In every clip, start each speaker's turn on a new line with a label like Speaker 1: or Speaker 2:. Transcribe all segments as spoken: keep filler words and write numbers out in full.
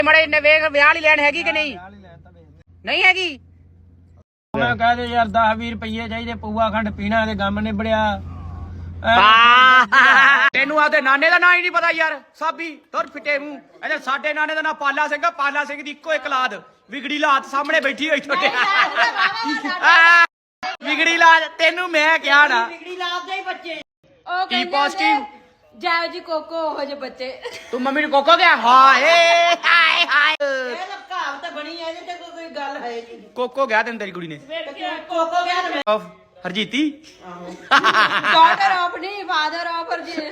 Speaker 1: ਮੜੇ ਨੇ ਵੇਖ ਵਿਆਹ ਵਾਲੀ ਲੈਣ ਹੈਗੀ ਕਿ ਨਹੀਂ ਨਹੀਂ ਹੈਗੀ।
Speaker 2: ਮੈਂ ਕਹਦੇ ਯਾਰ ਦਸ ਵੀਹ ਰੁਪਏ ਚਾਹੀਦੇ ਪਊਆ ਖੰਡ ਪੀਣਾ ਤੇ ਗਮ ਨਿਬੜਿਆ।
Speaker 1: ਤੈਨੂੰ ਆਦੇ ਨਾਨੇ ਦਾ ਨਾਂ ਹੀ ਨਹੀਂ ਪਤਾ ਯਾਰ। ਸਾਬੀ ਤੁਰ ਫਿੱਟੇ ਮੂੰਹ। ਇਹਦੇ ਸਾਡੇ ਨਾਨੇ ਦਾ ਨਾਂ ਪਾਲਾ ਸਿੰਘ। ਪਾਲਾ ਸਿੰਘ ਦੀ ਇੱਕੋ ਇੱਕ ਲਾਦ ਵਿਗੜੀ ਲਾਤ ਸਾਹਮਣੇ ਬੈਠੀ ਹੋਈ ਛੋਟੇ ਵਿਗੜੀ ਲਾਦ। ਤੈਨੂੰ ਮੈਂ ਕਿਹਾ ਨਾ
Speaker 3: ਵਿਗੜੀ ਲਾਦ ਦੇ ਬੱਚੇ
Speaker 1: ਉਹ ਕੀ ਪੋਜ਼ਿਟਿਵ
Speaker 3: ਜਾਓ ਜੀ ਕੋਕੋ ਉਹ ਜੇ ਬੱਚੇ।
Speaker 1: ਤੂੰ ਮੰਮੀ ਨੂੰ ਕੋਕੋ ਗਿਆ ਹਾਏ ਹਾਏ ਹਾਏ।
Speaker 3: ਇਹ ਤਾਂ ਕਹਾਵਤ ਬਣੀ ਹੈ ਇਹਦੇ ਤੇ ਕੋਈ ਗੱਲ ਹੈ ਨਹੀਂ।
Speaker 1: ਕੋਕੋ ਗਿਆ ਤੈਨੂੰ ਤੇਰੀ ਕੁੜੀ ਨੇ
Speaker 3: ਕੋਕੋ ਗਿਆ ਤੇ
Speaker 1: ਆਫ ਹਰਜੀਤੀ
Speaker 3: ਡਾਟਰ ਆਫ ਨਹੀਂ ਫਾਦਰ ਆਫ ਹਰਜੀ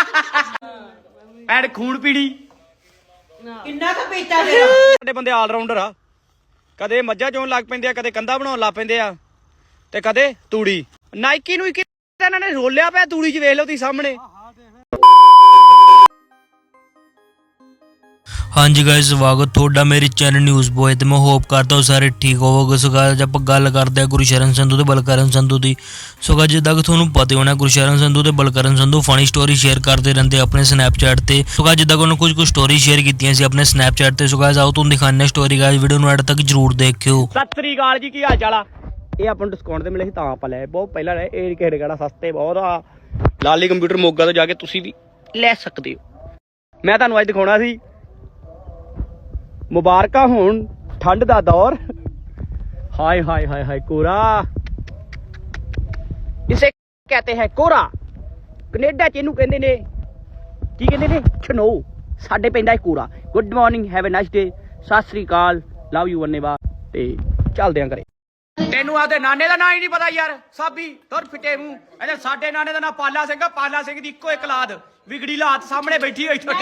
Speaker 1: ਐਂਡ ਖੂਨ ਪੀੜੀ
Speaker 3: ਕਿੰਨਾ ਕੁ ਪੀਤਾ ਮੇਰਾ।
Speaker 1: ਸਾਡੇ ਬੰਦੇ ਆਲ ਰਾਉਂਡਰ ਆ। ਕਦੇ ਮੱਝਾਂ ਚੋਣ ਲੱਗ ਪੈਂਦੇ ਆ, ਕਦੇ ਕੰਧਾ ਬਣਾਉਣ ਲੱਗ ਪੈਂਦੇ ਆ ਤੇ ਕਦੇ ਤੂੜੀ। ਨਾਈਕੀ ਨੂੰ ਇੱਕ ਇਹਨਾਂ ਨੇ ਰੋਲਿਆ ਪਿਆ ਤੂੜੀ 'ਚ। ਵੇਖ ਲਓ ਤੁਸੀਂ ਸਾਹਮਣੇ।
Speaker 4: ਹਾਂਜੀ ਗਾਇਸ ਸਵਾਗਤ ਤੁਹਾਡਾ ਮੇਰੇ ਚੈਨਲ ਨਿਊਜ਼ ਬੋਏ ਤੇ ਮੈਂ ਹੋਪ ਕਰਦਾ ਹਾਂ ਸਾਰੇ ਠੀਕ ਹੋਵੋਗੇ। ਸੋ ਗਾਇਸ ਆਪਾਂ ਗੱਲ ਕਰਦੇ ਹਾਂ ਗੁਰਸ਼ਰਨ ਸੰਧੂ ਤੇ ਬਲਕਰਨ ਸੰਧੂ ਦੀ। ਸੋ ਗਾਇਸ ਜਿੱਦਾਂ ਕਿ ਤੁਹਾਨੂੰ ਪਤਾ ਹੋਣਾ ਗੁਰਸ਼ਰਨ ਸੰਧੂ ਤੇ Balkaran Sandhu funny story share ਕਰਦੇ ਰਹਿੰਦੇ ਆਪਣੇ ਸਨੈਪਚੈਟ ਤੇ। ਸੋ ਗਾਇਸ ਜਿੱਦਾਂ ਕਿ ਉਹਨਾਂ ਕੁਝ ਕੁ ਸਟੋਰੀ ਸ਼ੇਅਰ ਕੀਤੀਆਂ ਸੀ ਆਪਣੇ ਸਨੈਪਚੈਟ ਤੇ। ਸੋ ਗਾਇਸ ਆਓ ਤੁਹਾਨੂੰ ਦਿਖਾਉਂਦੇ ਹਾਂ ਸਟੋਰੀ। ਗਾਇਸ ਵੀਡੀਓ ਨੂੰ ਐਡ ਤੱਕ ਜਰੂਰ ਦੇਖਿਓ।
Speaker 1: ਸਤਿ ਸ੍ਰੀ ਅਕਾਲ ਜੀ, ਕੀ ਹਾਲ ਚਾਲ ਆ? ਇਹ ਆਪਾਂ ਨੂੰ ਡਿਸਕਾਊਂਟ ਤੇ ਮਿਲੇ ਸੀ ਤਾਂ ਆਪਾਂ ਲਏ। ਬਹੁਤ ਪਹਿਲਾਂ ਲਏ। ਇਹ ਕਿਹੜੇ ਕਿਹੜਾ ਸਸਤੇ ਬਹੁਤ ਆ। ਲਾਲੀ ਕੰਪਿਊਟਰ ਮੋਗਾ ਤੋਂ ਜਾ ਕੇ ਤੁਸੀਂ ਵੀ ਲੈ ਸਕਦੇ ਹੋ। ਮੈਂ ਤੁਹਾਨੂੰ ਅੱਜ ਦਿਖਾਉਣਾ ਸੀ ਮੁਬਾਰਕਾਂ ਹੋਣ ਠੰਡ ਦਾ ਦੌਰ। ਹਾਏ ਹਾਏ ਹਾਏ ਹਾਏ ਕੋਰਾ ਇਸੇ ਕਹਤੇ ਹੈ ਕੋਰਾ। ਕੈਨੇਡਾ ਚ ਇਹਨੂੰ ਕਹਿੰਦੇ ਨੇ ਕੀ ਕਹਿੰਦੇ ਨੇ ਛਨੋ। ਸਾਡੇ ਪੈਂਦਾ ਹੈ ਕੋਰਾ। Good morning, have a nice day, ਸਤਿ ਸ੍ਰੀ ਅਕਾਲ, ਲਵ ਯੂ ਧੰਨਵਾਦ ਤੇ ਚੱਲਦੇ ਆਂ ਘਰੇ। ਤੈਨੂੰ ਆਦੇ ਨਾਨੇ ਦਾ ਨਾਂ ਹੀ ਨਹੀਂ ਪਤਾ ਯਾਰ। ਸਾਬੀ ਤੁਰ ਫਿੱਟੇ ਮੂੰਹ। ਇਹਦੇ ਸਾਡੇ ਨਾਨੇ ਦਾ ਨਾਂ ਪਾਲਾ ਸਿੰਘ। ਪਾਲਾ ਸਿੰਘ ਦੀ ਇੱਕੋ ਇੱਕ ਲਾਦ ਵਿਗੜੀ ਲਾਤ ਸਾਹਮਣੇ ਬੈਠੀ ਹੋਈ ਛੋਟੇ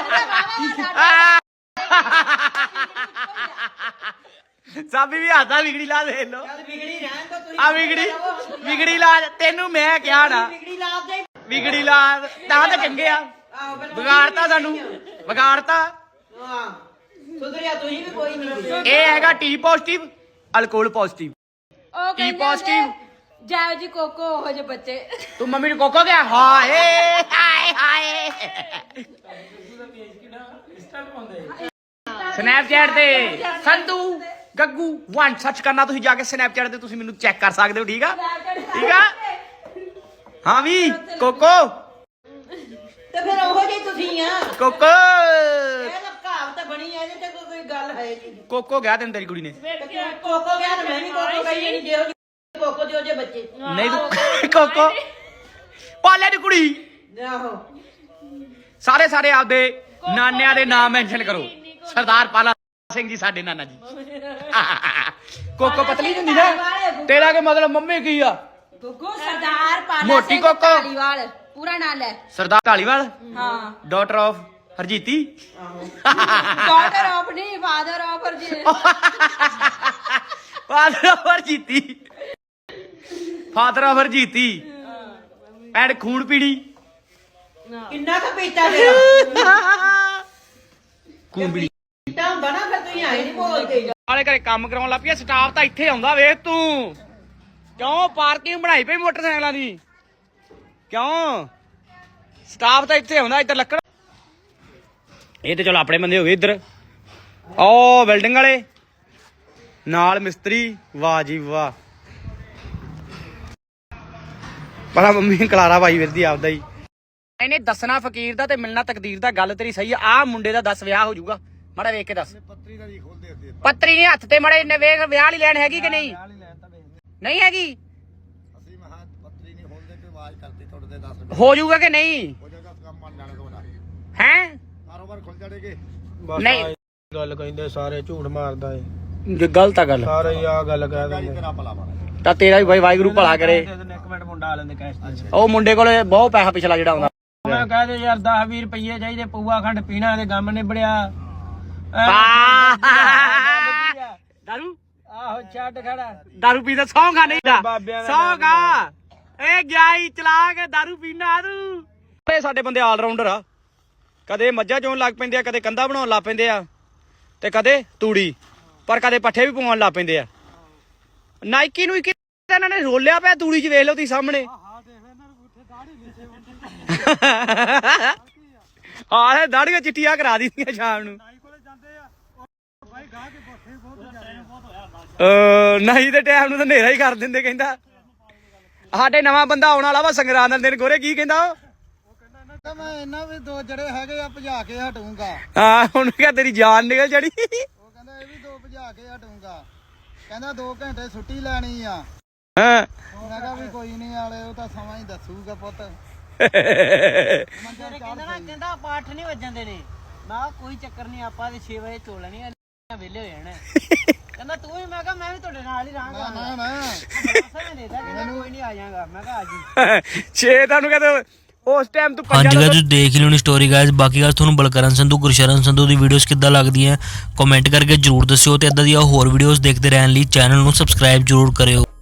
Speaker 1: ਸਾਬੀ ਵੀ ਹੱਸਦਾ। ਵਿਗੜੀ ਲਾਦ ਦੇਖ ਲੋ।
Speaker 3: ਵਿਗੜੀ ਰਹਿਣ ਤਾਂ ਤੁਸੀਂ
Speaker 1: ਆ ਵਿਗੜੀ ਵਿਗੜੀ ਲਾਦ। ਤੈਨੂੰ ਮੈਂ ਕਿਹਾ ਨਾ
Speaker 3: ਵਿਗੜੀ ਲਾਦ ਦੇ
Speaker 1: ਵਿਗੜੀ ਲਾਦ ਤਾਂ ਤਾਂ ਚੰਗੇ ਆ। ਵਿਗਾੜਤਾ ਸਾਨੂੰ ਵਿਗਾੜਤਾ।
Speaker 3: ਹਾਂ ਸੁਧਰਿਆ ਤੁਸੀਂ ਵੀ ਕੋਈ ਨਹੀਂ।
Speaker 1: ਇਹ ਹੈਗਾ ਟੀ ਪੋਜ਼ਿਟਿਵ ਅਲਕੋਹਲ ਪੋਜ਼ਿਟਿਵ।
Speaker 3: ਉਹ
Speaker 1: ਟੀ ਪੋਜ਼ਿਟਿਵ
Speaker 3: ਜਾਓ ਜੀ ਕੋਕੋ ਉਹ ਜੇ ਬੱਚੇ।
Speaker 1: ਤੂੰ ਮੰਮੀ ਨੂੰ ਕੋਕੋ ਗਿਆ ਹਾਏ ਹਾਏ ਹਾਏ। ਸਨੈਪਚੈਟ ਤੇ ਸੰਧੂ ਗੱਗੂ ਵਨ ਸਰਚ ਕਰਨਾ ਤੁਸੀਂ ਜਾ ਕੇ ਸਨੈਪਚੈਟ ਤੇ। ਤੁਸੀਂ ਮੈਨੂੰ ਚੈੱਕ ਕਰ ਸਕਦੇ ਹੋ। ਠੀਕ ਆ ਠੀਕ ਆ ਹਾਂ ਵੀ ਕੋਕੋ
Speaker 3: ਤੇ ਫਿਰ ਉਹੋ ਜਿਹੀ ਤੁਸੀਂ ਆ।
Speaker 1: ਕੋਕੋ
Speaker 3: ਇਹ ਤਾਂ ਕਹਾਵਤ ਬਣੀ ਹੈ ਇਹਦੇ ਤੇ ਕੋਈ ਗੱਲ ਹੈ ਨਹੀਂ।
Speaker 1: ਕੋਕੋ ਗਿਆ ਤੈਨੂੰ ਤੇਰੀ ਕੁੜੀ ਨੇ
Speaker 3: ਕੋਕੋ ਗਿਆ ਤੇ ਮੈਂ ਵੀ ਕੋਕੋ ਗਈ ਨਹੀਂ। ਜਿਹੋ ਜਿਹੇ ਕੋਕੋ ਜਿਹੋ ਜਿਹੇ ਬੱਚੇ।
Speaker 1: ਨਹੀਂ ਤੂੰ ਕੋਕੋ ਪਾਲੇ ਦੀ ਕੁੜੀ।
Speaker 3: ਆਹੋ
Speaker 1: ਸਾਰੇ ਸਾਰੇ ਆਪਦੇ ਨਾਨਿਆਂ ਦੇ ਨਾਮ ਮੈਂਸ਼ਨ ਕਰੋ। ਸਰਦਾਰ ਪਾਲਾ ਸਿੰਘ ਜੀ ਸਾਡੇ ਨਾਨਾ ਜੀ। ਕੋਕੋ ਪਤਲੀ ਹੁੰਦੀ ਨਾ। ਤੇਰਾ ਕੀ ਮਤਲਬ ਮੰਮੀ ਕੀ ਆ?
Speaker 3: ਗੁੱਗੂ ਸਰਦਾਰ ਪਾਲਾ
Speaker 1: ਮੋਟੀ
Speaker 3: ਸਿੰਘ
Speaker 1: ਕੋਕੋ।
Speaker 3: ਢਾਲੀਵਾਲ ਪੂਰਾ ਨਾਂ ਲੈ।
Speaker 1: ਸਰਦਾਰ ਢਾਲੀਵਾਲ
Speaker 3: ਹਾਂ
Speaker 1: ਡਾਟਰ ਆਫ ਹਰਜੀਤੀ।
Speaker 3: ਡਾਟਰ ਆਫ ਨਹੀਂ ਫਾਦਰ ਆਫ ਹਰਜੀ।
Speaker 1: ਫਾਦਰ ਆਫ ਹਰਜੀਤੀ ਫਾਦਰ ਆਫ ਹਰਜੀਤੀ ਐਂਡ ਖੂਨ ਪੀੜੀ
Speaker 3: ਕਿੰਨਾ ਕੁ ਪੀਤਾ ਮੇਰਾ।
Speaker 1: ਖੂਨ ਪੀੜੀ
Speaker 3: ਪੀਤਾ ਹੁੰਦਾ ਨਾ ਫਿਰ ਤੁਸੀਂ ਆਏ ਨਹੀਂ ਬੋਲਦੇ।
Speaker 1: ਵਾਲੇ ਘਰੇ ਕੰਮ ਕਰਾਉਣ ਲੱਗ ਪਿਆ। ਸਟਾਫ ਤਾਂ ਇੱਥੇ ਆਉਂਦਾ ਵੇਖ ਤੂੰ। ਕਿਉਂ ਪਾਰਕਿੰਗ ਬਣਾਈ ਪਈ ਮੋਟਰਸਾਈਕਲਾਂ ਦੀ? ਕਿਉਂ ਸਟਾਫ ਤਾਂ ਇੱਥੇ ਆਉਂਦਾ। ਇੱਧਰ ਲੱਕੜ ਇਹ ਤੇ ਚਲੋ ਆਪਣੇ ਬੰਦੇ ਹੋ ਗਏ। ਇੱਧਰ ਓ ਬਿਲਡਿੰਗ ਵਾਲੇ ਨਾਲ ਮਿਸਤਰੀ। ਵਾਹ ਜੀ ਵਾਹ। ਪਤਾ ਮੰਮੀ ਕਲਾਰਾ ਪਾਈ ਫਿਰਦੀ ਆਪਦਾ ਹੀ। ਇਹਨੇ ਦੱਸਣਾ ਫਕੀਰ ਦਾ ਤੇ ਮਿਲਣਾ ਤਕਦੀਰ ਦਾ। ਗੱਲ ਤੇਰੀ ਸਹੀ ਆ। ਆਹ ਮੁੰਡੇ ਦਾ ਦਸ ਵਿਆਹ ਹੋ ਜਾਊਗਾ। ਮਾੜਾ ਵੇਖ ਕੇ ਦੱਸ। ਪੱਤਰੀ ਦਾ ਜੀ ਖੋਲਦੇ ਪੱਤਰੀ ਨਹੀਂ ਹੱਥ ਤੇ ਮੜੇ ਨੇ ਵੇਖ ਵਿਆਹ ਵਾਲੀ ਲੈਣ ਹੈਗੀ ਕਿ ਨਹੀਂ ਨਹੀਂ ਹੈਗੀ।
Speaker 5: ਅਸੀਂ ਮਹਾ ਪੱਤਰੀ ਨਹੀਂ ਖੋਲਦੇ ਤੇ ਆਵਾਜ਼ ਕਰਦੇ ਤੁਹਾਡੇ ਦੇ ਦਸ
Speaker 1: ਹੋ ਜਾਊਗਾ ਕਿ ਨਹੀਂ
Speaker 5: ਹੋ ਜਾਏਗਾ ਕੰਮ ਬਣ ਜਾਣਾ ਤੁਹਾਡਾ।
Speaker 1: ਹੈ
Speaker 5: ਕਾਰੋਬਾਰ ਖੁੱਲ ਜਾਣਗੇ।
Speaker 1: ਨਹੀਂ
Speaker 2: ਗੱਲ ਕਹਿੰਦੇ ਸਾਰੇ ਝੂਠ ਮਾਰਦਾ ਏ।
Speaker 1: ਗਲਤ ਆ ਗੱਲ।
Speaker 2: ਸਾਰੇ ਆ ਗੱਲ ਕਹਿ ਦਿੰਦੇ।
Speaker 5: ਤੇਰਾ ਭਲਾ ਮਾਰੇ
Speaker 1: ਤਾਂ ਤੇਰਾ ਵੀ ਬਾਈ ਵਾਹਿਗੁਰੂ ਭਲਾ ਕਰੇ।
Speaker 2: ਇੱਕ ਮਿੰਟ ਮੁੰਡਾ ਆ ਲੈਂਦੇ ਕੈਸ਼ ਤੇ।
Speaker 1: ਉਹ ਮੁੰਡੇ ਕੋਲੇ ਬਹੁਤ ਪੈਸਾ ਪਿਛਲਾ ਜਿਹੜਾ ਆਉਂਦਾ।
Speaker 2: ਮੈਂ ਕਹਦੇ ਯਾਰ ਦਸ ਵੀਹ ਰੁਪਏ ਚਾਹੀਦੇ ਪਊਆ ਖੰਡ ਪੀਣਾ ਤੇ ਗਮ ਨਿਬੜਿਆ।
Speaker 1: ਦਾਰੂ
Speaker 2: ਆਹੋ ਛੱਡ ਖੜਾ।
Speaker 1: ਦਾਰੂ ਪੀਦਾ ਸੌਂ ਖਾ ਨਹੀਂ ਦਾ
Speaker 2: ਬਾਬਿਆਂ ਦਾ
Speaker 1: ਸੌਂ ਖਾ। ਇਹ ਗਿਆ ਹੀ ਚਲਾ ਕੇ ਦਾਰੂ ਪੀਣਾ ਤੂੰ। ਸਾਡੇ ਬੰਦੇ ਆਲ ਰਾਉਂਡਰ ਆ। ਕਦੇ ਮੱਝਾਂ ਚੋਣ ਲੱਗ ਪੈਂਦੇ ਆ, ਕਦੇ ਕੰਧਾ ਬਣਾਉਣ ਲੱਗ ਪੈਂਦੇ ਆ ਤੇ ਕਦੇ ਤੂੜੀ, ਪਰ ਕਦੇ ਪੱਠੇ ਵੀ ਪਵਾਉਣ ਲੱਗ ਪੈਂਦੇ ਆ। ਨਾਈਕੀ ਨੂੰ ਇਹਨਾਂ ਨੇ ਰੋਲਿਆ ਪਿਆ ਤੂੜੀ 'ਚ। ਵੇਖ ਲਓ ਤੁਸੀਂ ਸਾਹਮਣੇ। ਆਹ ਦਾੜੀਆਂ ਚਿੱਟੀਆਂ ਕਰਾ ਦਿੱਤੀਆਂ ਸ਼ਾਮ ਨੂੰ। ਅਹ ਨਹੀਂ ਤੇ ਟਾਈਮ ਨੂੰ ਤਾਂ ਹਨੇਰਾ ਹੀ ਕਰ ਦਿੰਦੇ ਕਹਿੰਦਾ ਸਾਡੇ ਨਵਾਂ ਬੰਦਾ ਆਉਣ ਵਾਲਾ ਵਾ ਸੰਗਰਾਂਦ ਦੇ ਦਿਨ ਗੋਰੇ ਕੀ ਕਹਿੰਦਾ ਉਹ
Speaker 5: ਮੈਂ ਇਹਨਾਂ ਵੀ ਦੋ ਜਿਹੜੇ ਹੈਗੇ ਆ ਭਜਾ ਕੇ ਹਟੂੰਗਾ।
Speaker 1: ਹਾਂ ਹੁਣ ਕਿਹਾ ਤੇਰੀ ਜਾਨ ਨਿਕਲ ਜੜੀ
Speaker 5: ਉਹ ਕਹਿੰਦਾ ਇਹ ਵੀ ਦੋ ਭਜਾ ਕੇ ਹਟੂੰਗਾ। ਕਹਿੰਦਾ ਦੋ ਘੰਟੇ ਛੁੱਟੀ ਲੈਣੀ ਆ।
Speaker 1: ਹਾਂ
Speaker 5: ਮੈਂ ਕਿਹਾ ਵੀ ਕੋਈ ਨਹੀਂ ਆਲੇ ਉਹ ਤਾਂ ਸਮਾਂ ਹੀ ਦੱਸੂਗਾ ਪੁੱਤ।
Speaker 3: ਤੇਰੇ ਕਹਿੰਦਾ ਨਾ ਕਹਿੰਦਾ ਆਪਾਂ ਅੱਠ ਨਹੀਂ ਵੱਜਣ ਨੇ ਮੈਂ ਕੋਈ ਚੱਕਰ ਨਹੀਂ ਆਪਾਂ ਤੇ ਛੇ ਵਜੇ ਚੋ ਲੈਣੀ ਆ ਵਿਹਲੇ ਹੋ ਜਾਣਾ ਕਹਿੰਦਾ ਤੂੰ ਵੀ ਮੈਂ ਕਿਹਾ ਮੈਂ ਵੀ ਤੁਹਾਡੇ ਨਾਲ ਹੀ ਰਹਾਂਗਾ
Speaker 5: ਨਾ ਨਾ
Speaker 3: ਮੈਂ ਦੇਦਾ ਕਹਿੰਦਾ ਕੋਈ ਨਹੀਂ ਆ ਜਾਵਾਂਗਾ ਮੈਂ ਕਿਹਾ ਆ ਜੀ
Speaker 1: ਛੇ ਤੁਹਾਨੂੰ ਕਹਿੰਦੇ ਉਸ ਟਾਈਮ ਤੂੰ
Speaker 4: ਹਾਂਜੀ ਗਾਇਸ ਤੁਸੀਂ ਦੇਖ ਹੀ ਲਿਓਣੀ ਸਟੋਰੀ ਗਾਇਸ। ਬਾਕੀ ਗੱਲ ਤੁਹਾਨੂੰ ਬਲਕਰਨ ਸੰਧੂ ਗੁਰਸ਼ਰਨ ਸੰਧੂ ਦੀ ਵੀਡੀਓਜ਼ ਕਿੱਦਾਂ ਲੱਗਦੀਆਂ ਕਮੈਂਟ ਕਰਕੇ ਜਰੂਰ ਦੱਸਿਓ ਤੇ ਇਦਾਂ ਦੀਆਂ ਹੋਰ ਵੀਡੀਓਜ਼ ਦੇਖਦੇ ਰਹਿਣ ਲਈ ਚੈਨਲ ਨੂੰ ਸਬਸਕ੍ਰਾਈਬ ਜਰੂਰ ਕਰਿਓ।